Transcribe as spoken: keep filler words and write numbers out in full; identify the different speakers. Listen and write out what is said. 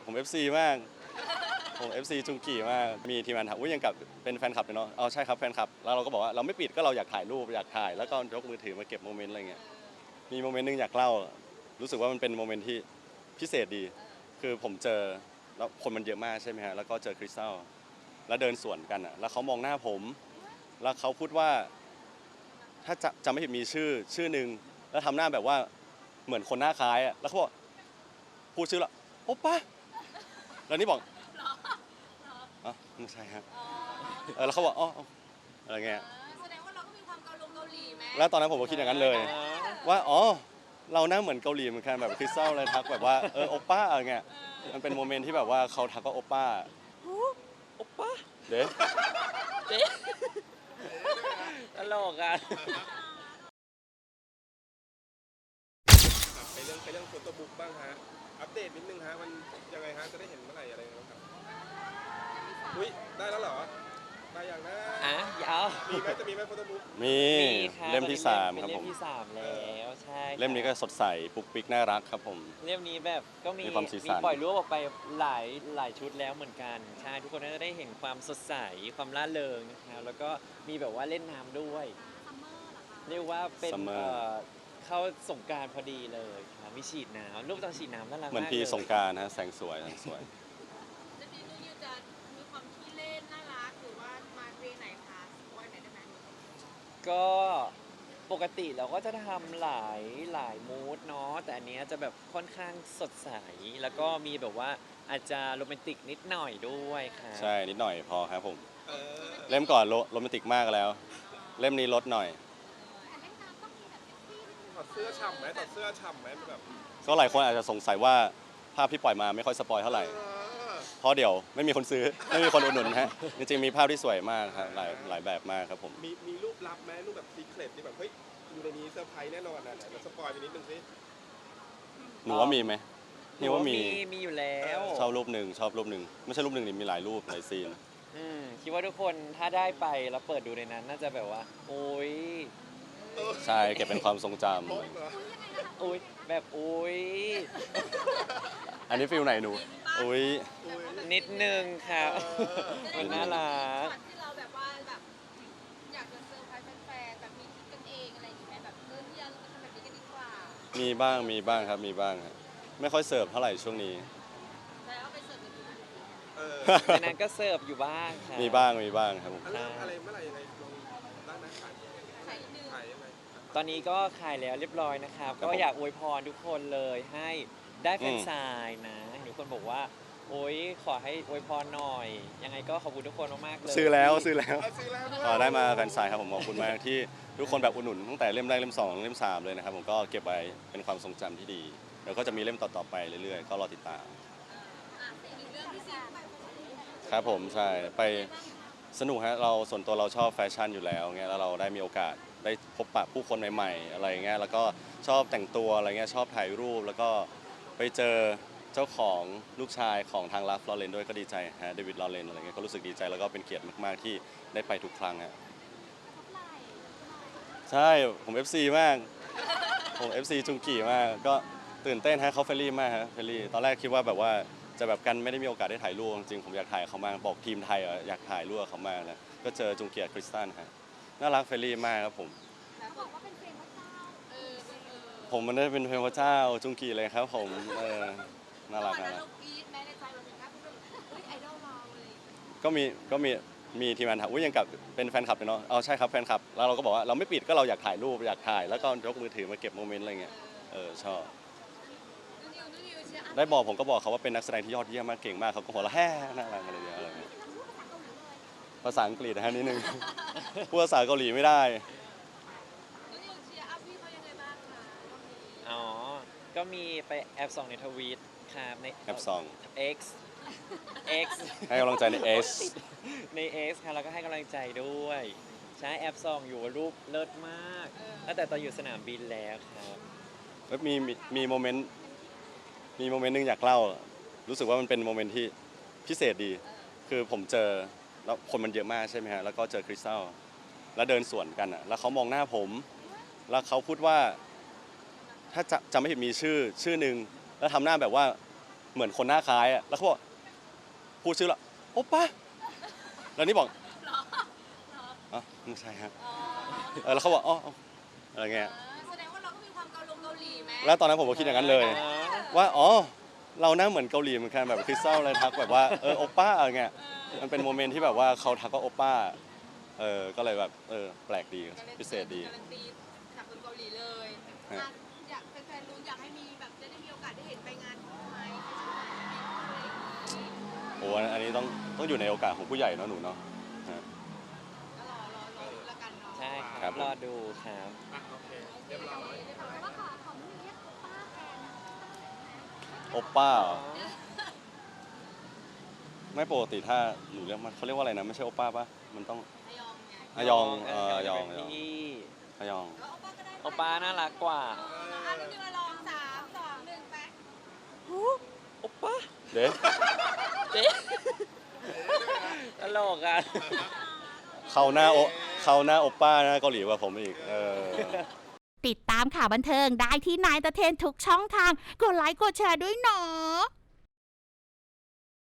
Speaker 1: ผม เอฟ ซี มากผม เอฟ ซี จุงกีมากมีทีมงานถามอุ้ยยังกับเป็นแฟนคลับเลยเนาะเอาใช่ครับแฟนคลับแล้วเราก็บอกว่าเราไม่ปิดก็เราอยากถ่ายรูปอยากถ่ายแล้วก็ยกมือถือมาเก็บโมเมนต์อะไรเงี้ยมีโมเมนต์นึงอยากเล่ารู้สึกว่ามันเป็นโมเมนต์ที่พิเศษดีคือผมเจอแล้วคนมันเยอะมากใช่ไหมฮะแล้วก็เจอคริสตัลแล้วเดินสวนกันอ่ะแล้วเขามองหน้าผมแล้วเขาพูดว่าถ้าจะจำไม่ผิดมีชื่อชื่อหนึ่งแล้วทำหน้าแบบว่าเหมือนคนหน้าคล้ายอ่ะแล้วเขาบอกพูดชื่อละโอป้าแล้วนี่บอกอ๋อไม่ใช่ฮะเออแล้วเขาบอกอ๋ออะไรเงี้ย
Speaker 2: แสดงว่าเราก็มีความเกาหลงเกาหลีไหม
Speaker 1: แล้วตอนนั้นผมก็คิดอย่างนั้นเลยว่าอ๋อเราหน้าเหมือนเกาหลีเหมือนกันแบบคริสตัลเลยทักแบบว่าเออโอป้าอะไรเงี้ยมันเป็นโมเมนต์ที่แบบว่าเขาทักว่าโอป้า
Speaker 3: โอป้า
Speaker 1: เด้
Speaker 3: เด้ตลกอ่ะ
Speaker 4: ไปเรื่องไปเรื่องโฟโต้บุ๊กบ้างฮะอัปเดตนิดนึงฮะมันยังไงฮะจะได้เห็นเมื่อไหร่อะไรบ้างครับอุ้ยได้แล้วเหรอได้อย่างนะ
Speaker 3: อ่ะยาว
Speaker 4: มีไหมจะมีไหมโฟโต้บุ๊ก
Speaker 1: มีเล่มที่สามครับผม
Speaker 3: เล่มที่สามแล้วใช่
Speaker 1: เล่มนี้ก็สดใสปุ๊กปิ๊กน่ารักครับผม
Speaker 3: เล่มนี้แบบก็มีมีปล่อยรูปออกไปหลายหลายชุดแล้วเหมือนกันใช่ทุกคนน่าจะได้เห็นความสดใสความร่าเริงนะครับแล้วก็มีแบบว่าเล่นน้ำด้วยเรียกว่าเป็นเข้าสงกรานต์พอดีเลยครับมีฉีดน้ำรูปตอนฉีดน้ำน่ารักมาก
Speaker 1: เหมือนพี่สงกรานต์นะแสงสวยแสงสวย
Speaker 2: จะดีนูยูจะมีความขี้เล่นน่ารักหรือว่ามาเวไหนคะวันไหนได้ไหม
Speaker 3: ก็ปกติเราก็จะทำหลายหลายมูดเนาะแต่อันนี้จะแบบค่อนข้างสดใสแล้วก็มีแบบว่าอาจจะโรแมนติกนิดหน่อยด้วยค่ะ
Speaker 1: ใช่นิดหน่อยพอครับผมเล่มก่อนโรแมนติกมากแล้ว เล่มนี้ลดหน่อย
Speaker 4: ถอดเสื้อฉ่ำไหมถอดเสื้อฉ่ำไหมแบบ
Speaker 1: ก็หลายคนอาจจะสงสัยว่าภาพที่ปล่อยมาไม่ค่อยสปอยเท่าไหร่เพราะเดี๋ยวไม่มีคนซื้อไม่มีคนอุดหนุนฮะจริงๆมีภาพที่สวยมากครับหลายหลายแบบมากครับผม
Speaker 4: มีมีรูปลับไหมรูปแบบซีเครตที่แบบเฮ้ยอยู่ในนี้เซอร์ไพรส์แน่นอนนะเดี๋ยวสปอยไปนิดนึงสิ
Speaker 1: หนูว่ามีไหมนี่ว่ามี
Speaker 3: มีอยู่แล้ว
Speaker 1: ชอบรูปหนึ่งชอบรูปหนึ่งไม่ใช่รูปหนึ่งนี่มีหลายรูปหลายซีน
Speaker 3: คิดว่าทุกคนถ้าได้ไปแล้วเปิดดูในนั้นน่าจะแบบว่าโอ้ย
Speaker 1: ใช่เก็บเป็นความทรงจ
Speaker 3: ำอุ้ยแบบอุ้ย
Speaker 1: อันนี้ฟิลไหนหนูอุ้ย
Speaker 3: นิดนึงครับมันน่ารัก
Speaker 2: ที่เราแบบว่าแบบอยากจะเซอร์ไพรส์แฟนๆแบบมีคิดกันเองอะไรอย่างเงี้ยแบบเออที่เราทำแบบนี้กันดีกว่า
Speaker 1: มีบ้างมีบ้างครับมีบ้างครับไม่ค่อยเสิร์ฟเท่าไหร่ช่วงนี้
Speaker 2: แล้วไปเสิร์ฟกันดู
Speaker 3: ในนั้นก็เสิร์ฟอยู่บ้างครับ
Speaker 1: มีบ้างมีบ้างครับผม
Speaker 4: อะไรเมื่อไหร่ยังไงลงร้านอาหาร
Speaker 2: ขายนิดนึง
Speaker 4: ขายยังไง
Speaker 3: ตอนนี้ก็ขายแล้วเรียบร้อยนะครับก็อยากอวยพรทุกคนเลยให้ได้แฟนซายนะทุกคนบอกว่าโอ๊ยขอให้อวยพรหน่อยยังไงก็ขอบคุณทุกคนมากๆเลย
Speaker 1: ซื้อแล้วซื้อแล้วก็ได้มาแฟนซายครับผมขอบคุณมากที่ทุกคนแบบอุดหนุนตั้งแต่เล่มแรกเล่มสองเล่มสามเลยนะครับผมก็เก็บไว้เป็นความทรงจำที่ดีเดี๋ยวก็จะมีเล่มต่อๆไปเรื่อยๆก็รอติดตามครับผมใช่ไปสนุกฮะเราส่วนตัวเราชอบแฟชั่นอยู่แล้วเงี้ยแล้วเราได้มีโอกาสได้พบปะผู้คนใหม่ๆอะไรเงี้ยแล้วก็ชอบแต่งตัวอะไรเงี้ยชอบถ่ายรูปแล้วก็ไปเจอเจ้าของลูกชายของทางลัฟลอเรนด้วยก็ดีใจฮะเดวิดลอเรนอะไรเงี้ยก็รู้สึกดีใจแล้วก็เป็นเกียรติมากๆที่ได้ไปทุกครั้งฮะใช่ผม เอฟ ซี มากผม เอฟ ซี จุงกีมากก็ตื่นเต้นฮะเขาเฟรนลี่มากฮะเฟรนลี่ตอนแรกคิดว่าแบบว่าจะแบบกันไม่ได้มีโอกาสได้ถ่ายรูปจริงๆผมอยากถ่ายเขามากบอกทีมไทยอยากถ่ายรูปเขามากนะก็เจอจุงเกียร์คริสตันฮะน่ารักเฟรนลี่มากครับผมผมมันได้เป็นเพลงพระเจ้าจุงกีเลยครับผมเออน่ารักนะก็มีก็มีมีทีมงานถามอุ้ยยังกับเป็นแฟนคลับเลยเนาะเอาใช่ครับแฟนคลับแล้วเราก็บอกว่าเราไม่ปิดก็เราอยากถ่ายรูปอยากถ่ายแล้วก็ยกมือถือมาเก็บโมเมนต์อะไรเงี้ยเออชอบได้บอกผมก็บอกเขาว่าเป็นนักแสดงที่ยอดเยี่ยมมากเก่งมากเขาก็หัวเราะแฮ่น่ารักอะไรอย่างเงี้ยอะไรเงี้ยภาษาอังกฤษนะฮะนิดนึงพูดภาษาเกาหลีไม่ได้
Speaker 3: อ๋อก็มีไปแอบส่องในทวีตครับใน
Speaker 1: แอบส่อง
Speaker 3: X X
Speaker 1: ให้กำลังใจใน X
Speaker 3: ใน X ครับแล้วก็ให้กำลังใจด้วยใช้แอบส่องอยู่รูปเลิศมากตั้งแต่ตอนอยู่สนามบินแล้วครับ
Speaker 1: แล้วมีมีโมเมนต์มีโมเมนต์นึงอยากเล่ารู้สึกว่ามันเป็นโมเมนต์ที่พิเศษดีคือผมเจอแล้วคนมันเยอะมากใช่ไหมฮะแล้วก็เจอคริสตัลแล้วเดินสวนกันอ่ะแล้วเขามองหน้าผมแล้วเขาพูดว่าถ้าจะจำไม่ผิดมีชื่อชื่อหนึ่งแล้วทำหน้าแบบว่าเหมือนคนหน้าคล้ายอะแล้วเขาบอกพูดชื่อละโอป้าแล้วนี่บอกอ๋อไม่ใช่ฮะ
Speaker 2: อ๋อ
Speaker 1: เออแล้วเขาบอกอ๋ออ๋ออะไรเงี้ย
Speaker 2: เออแสดงว่าเราก็มีความเกาหลงเกาหลีไหม
Speaker 1: แล้วตอนนั้นผมก็คิดอย่างนั้นเลย ว่าอ๋อเราหน้าเหมือนเกาหลีเหมือนกันแบบคริสตัลเลยทักแบบว่าเออโอป้าอะไรเงี้ยมันเป็นโมเมนต์ที่แบบว่าเขาทักว่าโอป้าเออก็เลยแบบเออแปลกดีพิเศษดี
Speaker 2: การันตีจากคนเกาหลีเลย
Speaker 1: ฮะ
Speaker 2: อ่ะอยากแฟนๆรู้อยากให้มีแบบจะได้มีโอกาสได้เห็นไปงานคู่ไหมอะไรอย่างงี้
Speaker 1: โอ้อันนี้ต้องต้องอยู่ในโอกาสของผู้ใหญ่เนาะหนูเนาะฮะ
Speaker 2: ก็รอรอรอดูแล้วกันเนาะ
Speaker 3: ใช่ค
Speaker 1: ครั
Speaker 3: รับบ รอดูครับ
Speaker 4: อ่ะโอเคเรียบร้อย
Speaker 2: แต่ว่าขอขอไม่เรียกป้าแทน
Speaker 1: โอป้าเหรอไม่ปกติถ้าหนูเรียกมันเขาเรียกว่าอะไรนะไม่ใช่โอป้าปะมันต้อง
Speaker 2: อายองไง
Speaker 1: อายองเอออายองอายอง
Speaker 3: พี่
Speaker 1: อายอง
Speaker 2: แล้วโอป้าก็ได้
Speaker 3: โอป้าน่ารักกว่า
Speaker 2: อ่ะแล้วนี่มาลองสามสองหนึ่งไป
Speaker 3: โอป้า
Speaker 1: เด็ก
Speaker 3: เจ๊ตลกอ่ะ
Speaker 1: เขาหน้าโอเขาหน้าโอป้าหน้าเกาหลีกว่าผมอีกเออ
Speaker 5: ติดตามข่าวบันเทิงได้ที่นายตะเทนทุกช่องทาง กดไลค์กดแชร์ด้วยเนาะ